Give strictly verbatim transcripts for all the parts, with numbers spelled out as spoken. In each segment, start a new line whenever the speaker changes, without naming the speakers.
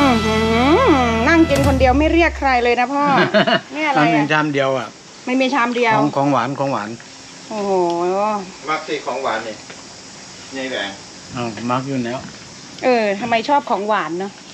อือหือนั่งกินคนเดียวไม่เรียกใครเลยนะพ่อ นี่อะไร
มันมี
อ่ะ
ชามเดียวอ่ะ
ไม่มีชามเดียว
ของของหวานของหวาน
โอ้โห
มักสิของหวานนี่ยายแหวง
อ้าวมักอยู่แล้ว
เออทำไมชอบของหวานเนาะ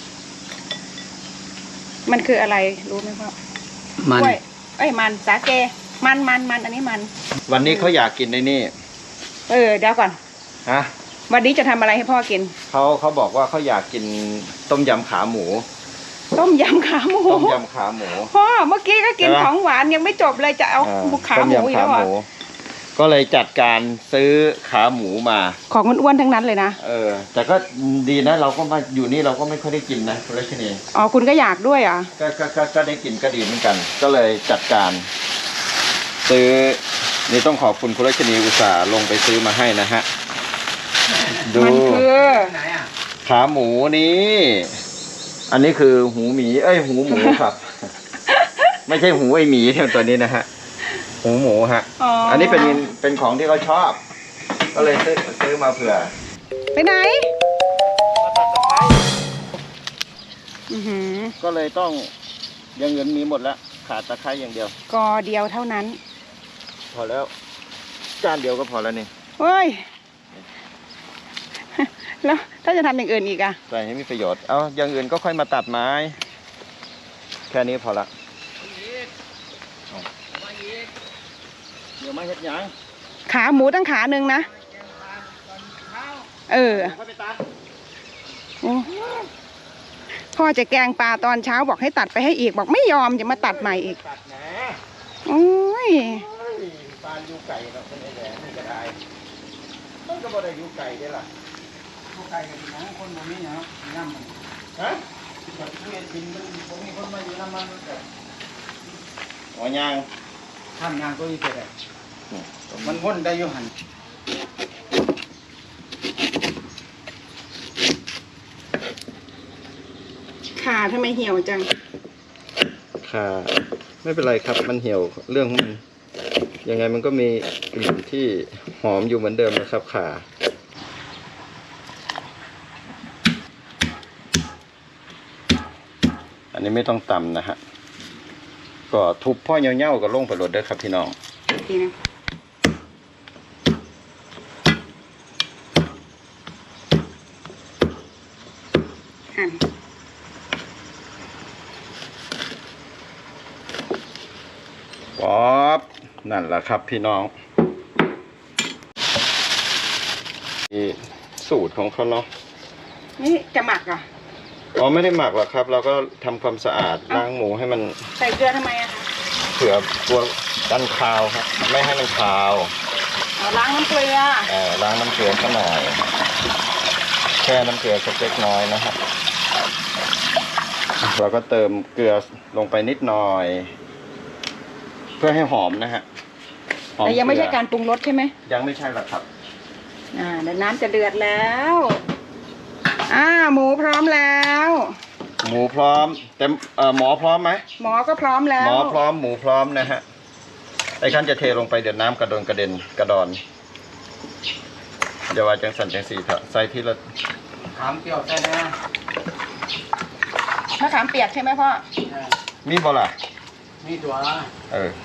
มันคืออะไรรู้ไหมพ่อ
มัน
กล้วยเอ้ยมันสาเกมันมันมันอันนี้มัน
วันนี้เขาอยากกินในนี่
เออเดี๋ยวก่อน
ฮะ
วันนี้จะทำอะไรให้พ่อกิน
เขาเขาบอกว่าเขาอยากกินต้มยำขาหมู
ต้มยำขาหมู
ต้มยำขาหมู
พ่อเมื่อกี้ก็กิน
ใช่ปะ
ของหวานยังไม่จบเลยจะเอา
อ่า
ขาหมู
ต้
อีก
ยำ
แล้วเหรอ
ก็เลยจัดการซื้อขาหมูมา
ของอ้วนๆทั้งนั้นเลยนะ
เออ แต่ก็ดีนะเราก็มาอยู่นี่เราก็ไม่ค่อยได้กินนะคุณรัชนี
อ๋อคุณก็อยากด้วยเหรอ่ะ
ก็ก็ก็ก็ได้กินก็ดีเหมือนกัน ก็เลยจัดการ ซื้อนี่ต้องขอบคุณคุณรัชนีอุตส่าห์ลงไปซื้อมาให้นะฮะดู
มันคือ
ไหนอ่ะ
ขาหมูนี้ อันนี้คือหูหมี เอ้ยหูหมูครับ ไม่ใช่หูไอหมีเท่าตัวนี้นะฮะ หูหมูฮะ
อ๋ออั
อันนี้เป็นเป็นของที่เขาชอบ ก็เลยซื้อซื้อมาเผื่อ
ไปไหนอือหือ
ก็เลยต้องอย่างเงินมีหมดแล้วขาดตะไคร้อย่างเดียว
กอเดียวเท่านั้น
พอแล้วจานเดียวก็พอแล้วนี่
เฮ้ย แล้วถ้าจะทำอย่างอื่นอีกอะ
ใส่ให้มีประโยชน์ เอาอย่างอื่นก็ค่อยมาตัดไม้ แค่นี้พอละเอาเดี๋ยวมาเฮ็ดหยัง
ขาหมูตั้งขาหนึ่งนะ เออ
ค่อยไปตัด
โอ้พ่อจะแกงปลาตอนเช้าบอกให้ตัดไปให้อีกบอกไม่ยอมจะมาตัดใหม่อีก
ตัดนะ
โอ้ย
เฮ้ยปานอยู่ไก่เราเป็นไอ้แหลมนี่ก็ได้มันก็บ่ได้อยู่ไก่ได้ล่ะ
พวกไก่กันนะคนตรงนี้เนาะน้ำมัน
ฮะ
แบบเวียนดินมันผมมีคนมาอยู่น้ำมันแบบ
หัวยาง
ทำงานตัวนี้เสร็จมันวนได้อยู่หัน
ขาทำไมเหี่ยวจัง
ค่ะไม่เป็นไรครับมันเหี่ยวเรื่องของมันยังไงมันก็มีกลิ่นที่หอมอยู่เหมือนเดิมนะครับค่ะอันนี้ไม่ต้องตำนะฮะก็ทุบพ่อเงี้ยวๆก็ลงไปรดเด้อครับพี่น้อง
ดีนะหั่น
ป๊อบ นั่นแหละครับพี่น้องนี่สูตรของเขาเนาะ
นี่จะหมักเหรอ
อ๋อไม่ได้หมักหรอกครับ เราก็ทำความสะอาดล้างหมูให้มัน
ใส่เกลือทำไมอะคะ
เผื่อตัวกันคาวครับไม่ให้มันคาว
เอาล้างน้ำเกลือ
เอ่อล้างน้ำเกลือสักหน่อยแช่น้ำเกลือสักเล็กน้อยนะครับเราก็เติมเกลือลงไปนิดหน่อย เพื่อให้หอมนะฮะหอ
แต่ยังไม่ใช่
เกลือ
การปรุงรสใช่ไหม
ยังไม่ใช่หรอกครับ
อ่าเดี๋ยวน้ำจะเดือดแล้วอ่าหมูพร้อมแล้ว
หมูพร้อมแต่เอ่อหมอพร้อมไหม
หมอก็พร้อมแล้ว
หมอพร้อมหมูพร้อมนะฮะไอ้ขั้นจะเทลงไปเดี๋ยวน้ำกระโดนกระเด็นกระดอนอย่าว่าจังสันจังสีเถอะใส่ที่ละ
ถามเปรี้ยวใช่ไหม
มะขามเปียกใช่ไหมพ่อ
มีบ่ล่ะ
มีตัว
เออ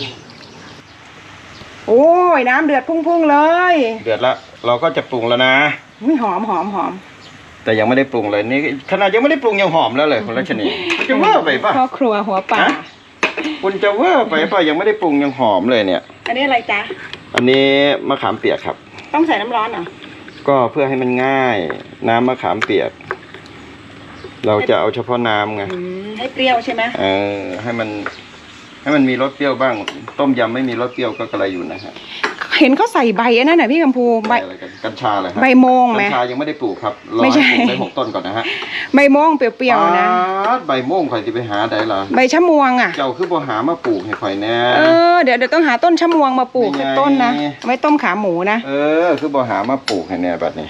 โอ้ยน้ำเดือดพุ่งๆเลย
เดือดละเราก็จะปรุงแล้วนะ
อุ้ยหอมหอมหอม
แต่ยังไม่ได้ปรุงเลยนี่ขนาดยังไม่ได้ปรุงยังหอมแล้วเลยคุณรัชนีจะเวอร์ไปป่ะ
พ่อครัวหัวป่า
ฮะ คุณจะเวอร์ไปป่ะยังไม่ได้ปรุงยังหอมเลยเนี่ย
อันนี้อะไรจ๊ะ
อันนี้มะขามเปียกครับ
ต้องใส่น้ำร้อนเหรอ
ก็เพื่อให้มันง่าย น้ำมะขามเปียก เราจะเอาเฉพาะน้ำไง
อืมให้เปรี้ยวใช่ไหม
เออให้มัน ให้มันมีรสเปรี้ยวบ้าง ต้มยำไม่มีรสเปรี้ยวก็กระไรอยู่นะฮะ
เห็นเขาใส่ใบอันนั้นน่ะพี่กัมพูใบ
อะไรกันกัญชาเลยฮะ
ใบโมงไหม
กัญชายังไม่ได้ปลูกครับรอ
ไม่ใช่
ให้ปลูกได้หกต้นก่อนนะฮะ
ใบโมงเปรี้ยวๆนะ
อ๊าดใบโม่งข่อยจะไปหาได้ล่ะ
ใบชะมวงอ่ะ
เจ้าคือบ่หามาปลูกให้ข่อยแน่
เออเดี๋ยวเดี๋ยวต้องหาต้นชะมวงมาปลูก
นี่ไง
ต้นนะเอาไว้ต้มขาหมูนะ
เออ คือบ่หามาปลูกให้แน่บัดนี้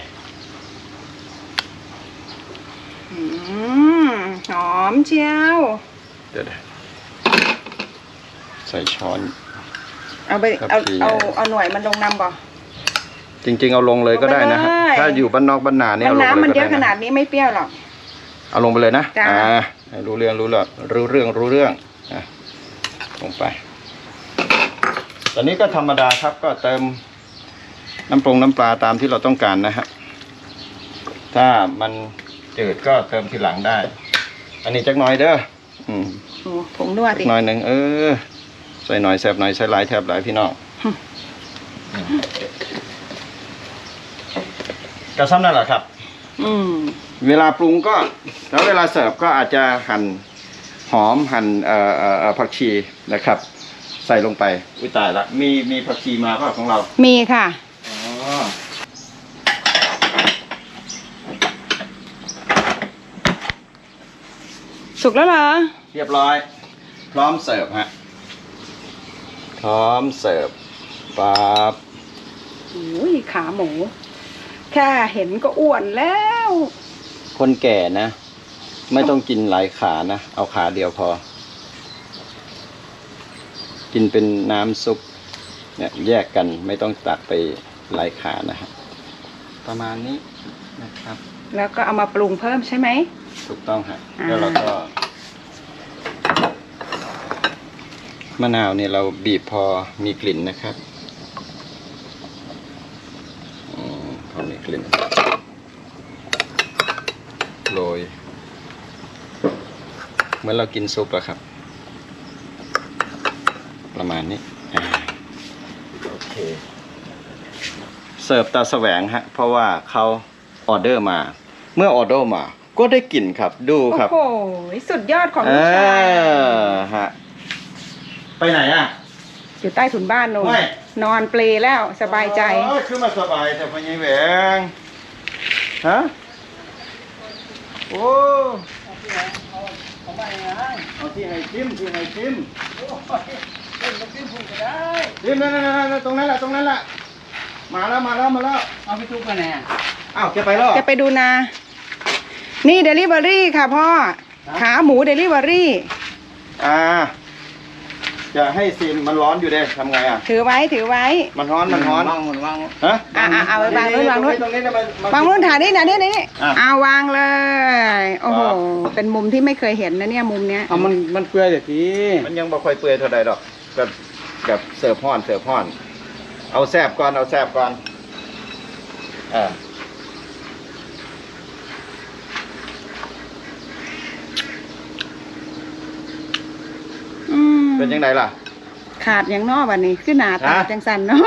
อืมหอมเชียว
เดี๋ยวๆใส่ช้อน
เอาไป
ครับ
เอา
พี่
เอาเอาหน่วยมันลงน้ำบ่
จริง ๆ เอาลงเลยก็ได้นะฮะ
ลงไปเลย
ถ้าอยู่บ้านนอกบ้านนาเนี่ย
มัน
เอาลงเลย
น้ำมัน
ก็
เย
ได้
อะขนา
นะ
ดนี้ไม่เปรี้ยวหรอก
เอาลงไปเลยนะ
จ้ะ
อ่าให้รู้เรื่องรู้เรื่องรู้เรื่องรู้เรื่องอ่ะลงไปตอนนี้ก็ธรรมดาครับก็เติมน้ำปรุงน้ำปลาตามที่เราต้องการนะฮะถ้ามันจืดก็เติมทีหลังได้ อันนี้จักหน่อยเด้ออืม
โอ้ผงนัว
จั
สิ
กหน่อยหนึ่งเออใส่หน่อยแซ่บหน่อยใส่หลายแทบหลายพี่น้องกระซ้ำนั่นแหละครับ
อืม
เวลาปรุงก็แล้วเวลาเสิร์ฟก็อาจจะหั่นหอมหั่นเอ่อเอ่อเอ่อผักชีนะครับ ใส่ลงไปอุ้ยตายละมีมีผักชีมาเปล่าของเรา
มีค่ะ
อ๋อ
สุกแล้วเหรอ
เรียบร้อย พร้อมเสิร์ฟฮะพร้อมเสิร์ฟปั๊บ
อุ้ยขาหมู แค่เห็นก็อ้วนแล้ว
คนแก่นะ ไม่ต้องกินหลายขานะเอาขาเดียวพอ กินเป็นน้ำซุปเนี่ยแยกกันไม่ต้องตักไปหลายขานะฮะประมาณนี้นะครับ
แล้วก็เอามาปรุงเพิ่มใช่ไหม
ถูกต้องฮะ
อ่า
แล้วเราก็ มะนาวเนี่ยเราบีบพอมีกลิ่นนะครับอืมพอมีกลิ่นโรยเหมือนเรากินซุปอะครับ ประมาณนี้อ่าโอเคเสิร์ฟตาแสวงฮะเพราะว่าเขาออเดอร์มา เมื่อออเดอร์มา ก็ได้กลิ่นครับดูครับ
โอ้โหสุดยอดของ
เอ
ลูกชาย
อฮะไปไหนอ่ะ
อยู่ใต้ถุนบ้านโน่น
ไม่
นอนเปลแล้วสบายใจ
โอ้ยคือมาสบายแต่พญายแหวงฮะโอ้เอาที่ให้ชิมที่ให้ชิมชิมนั่นนั่นนั่นตรงนั้นแหละตรงนั้นแหละมาแล้วมาแล้วมาแล้ว
เอาไปทุกไปไหนอ่ะ
อ้าวแกไปแล้ว
จะไปดูนา นี่เดลิเวอรี่ค่ะพ่อ ขาหมูเดลิเวอรี่
อ่าจะให้ซิมมันร้อนอยู่เด้ทำไงอ่ะ
ถือไว้ถือไว้
มันร้อนมันร้อน
วางหมดวาง
ฮะ
อ่าอ่าเอาไว้วางนู้นวางนู้น
ตรงนี้ตรงนี้
วางนู้นถ่ายนี่นะนี่นี่
อ่ะ
เอาวางเลย โอ้โห
ครับ
เป็นมุมที่ไม่เคยเห็นนะเนี่ยมุมเนี้ย
เอามันมันเปื่อยเดี๋ยวที
มันยังบ่ค่อยเปื่อยเท่าใดดอกแบบแบบเสิร์ฟห้อนเสิร์ฟห้อน เอาแซบก่อนเอาแซบก่อนเออ
อืม
เป็นยังไงล่ะ
ขาดอย่างนอกวันนี้ขึ้นหนาตา
ฮะ
จังสันเนาะ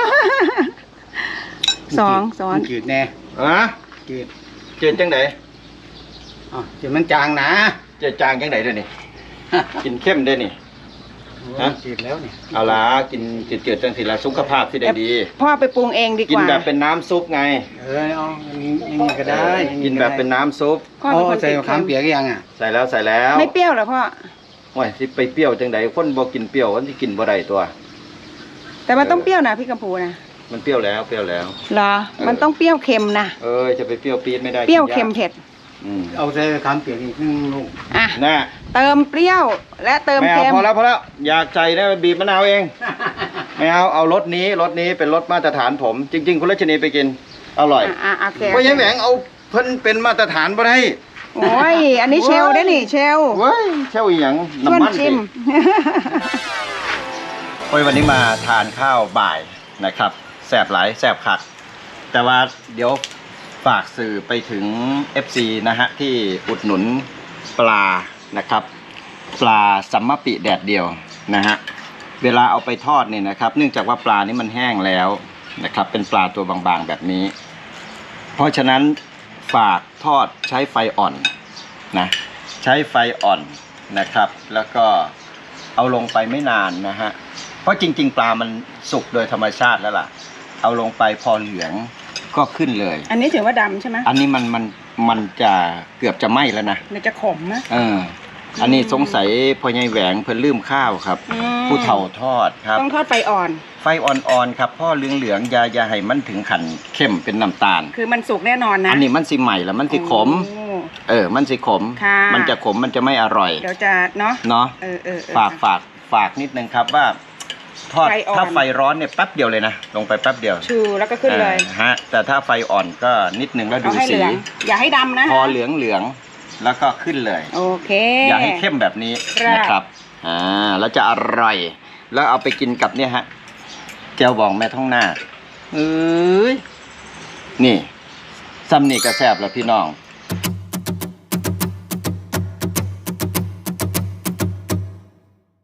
สองสอน
จืดแน่
ฮะ
จืด
เจนจังได
อ๋อจืดมันจางนะ
เจนจางจังไดเด้อนี่ กินเข้มเด้อนี่ ฮะ
จืดแล้วนี่
เอาล่ะกินจืดๆจังสิล่ะสุขภาพที่ได้ดี
พ่อไปปรุงเองดี
กิ
ก
น
ว่า
แบบเป็นน้ำซุปไง
เออเอาอย่างนี้อย่างนี้ก็ได้อย่าง
กินแบบเป็นน้ำซุป
พ่อ
โอ้
เป็นคน
ใส่
ติด
มะขาม
เค็ม
เปียกยังอ่ะ
ใส่แล้วใส่แล้ว
ไม่เปรี้ยวเหรอพ่อ
โอ้ยสิไปเปรี้ยวจังไดคนบ่กินเปรี้ยวมันสิกินบ่ได้ตัว
แต่มันต้องเปรี้ยวนะพี่กัมพูนะ
มันเปรี้ยวแล้วเปรี้ยวแล้ว
เหรอ มันต้องเปรี้ยวเค็มนะ
เอ้ยจะไปเปรี้ยวปี๊ดไม่ได้
เปรี้ยว
กินาก
เค็มเผ็ด
อืม
เอาใส่มะขามเปียกอีกหนึ่งลูก
อ่ะ
น่ะ
เติมเปรี้ยวและเติม
ไม่เอา
เค็ม
พอแล้วพอแล้วอยากใจนะบีบมะนาวเอง ไม่เอาเอารสนี้รสนี้เป็นรสมาตรฐานผม จริง ๆ คุณรัชนีไปกิน อร่อย
อ่ะอ่ะโอเค
ก็ยังแหวงเอาเพิ่นเป็นมาตรฐานบ่ได้
โอ้ย อันนี้เชลได้นี่เชล
เว้ยเช่าอีหยัง
ชวน
น้ำมัน
ชิม
โอ้ยวันนี้มาทานข้าวบ่ายนะครับแสบหลายแสบคัก แต่ว่าเดี๋ยวฝากสื่อไปถึง เอฟ ซี นะฮะที่อุดหนุนปลานะครับ ปลาสัมมะปิแดดเดียวนะฮะเวลาเอาไปทอดเนี่ยนะครับเนื่องจากว่าปลานี้มันแห้งแล้วนะครับเป็นปลาตัวบางๆแบบนี้ เพราะฉะนั้นฝากทอดใช้ไฟอ่อนนะใช้ไฟอ่อนนะครับ แล้วก็เอาลงไปไม่นานนะฮะเพราะจริงๆปลามันสุกโดยธรรมชาติแล้วล่ะเอาลงไปพอเหลืองก็ขึ้นเลย
อันนี้ถือว่าดำใช่ไหม
อันนี้มันมันมันจะเกือบจะไหม้แล้วนะ
มันจะขมนะ
เอออันนี้สงสัยพ่อใหญ่แหวงเพิ่นลืมข้าวครับ
อืม
ผู้เฒ่าทอดครับ
ต้องทอดไฟอ่อน
ไฟอ่อนๆครับพ่อเหลืองๆอย่าอย่าให้มันถึงขันเข้มเป็นน้ำตาล
คือมันสุกแน่นอนนะ
อันนี้มันสิใหม่แล้วมันสิขม
โอ้
เออ มันสิขม
ค่ะ
มันจะขมมันจะไม่อร่อย
เดี๋ยวจะเนาะ
เนาะ
เออเออเออ
ฝากฝากฝากนิดนึงครับว่า ทอด
ไฟอ่อน
ถ้าไฟร้อนเนี่ยแป๊บเดียวเลยนะลงไปแป๊บเดียว
ชูแล้วก็ขึ้นเลย
อ่าฮะแต่ถ้าไฟอ่อนก็นิดนึงแล้วดู
เอาให้เห
สี
ลือง อย่าให้ดำนะ
พอเหลืองเหลืองแล้วก็ขึ้นเลย
โอเค
อย่าให้เข้มแบบนี้
ครับ
นะครับอ่าแล้วจะอร่อย แล้วเอาไปกินกับเนี่ยฮะแจ่วบองแม่ท้องหน้าเอ้ยนี่ซ้ำนี่ก็แซ่บแล้วพี่น้อง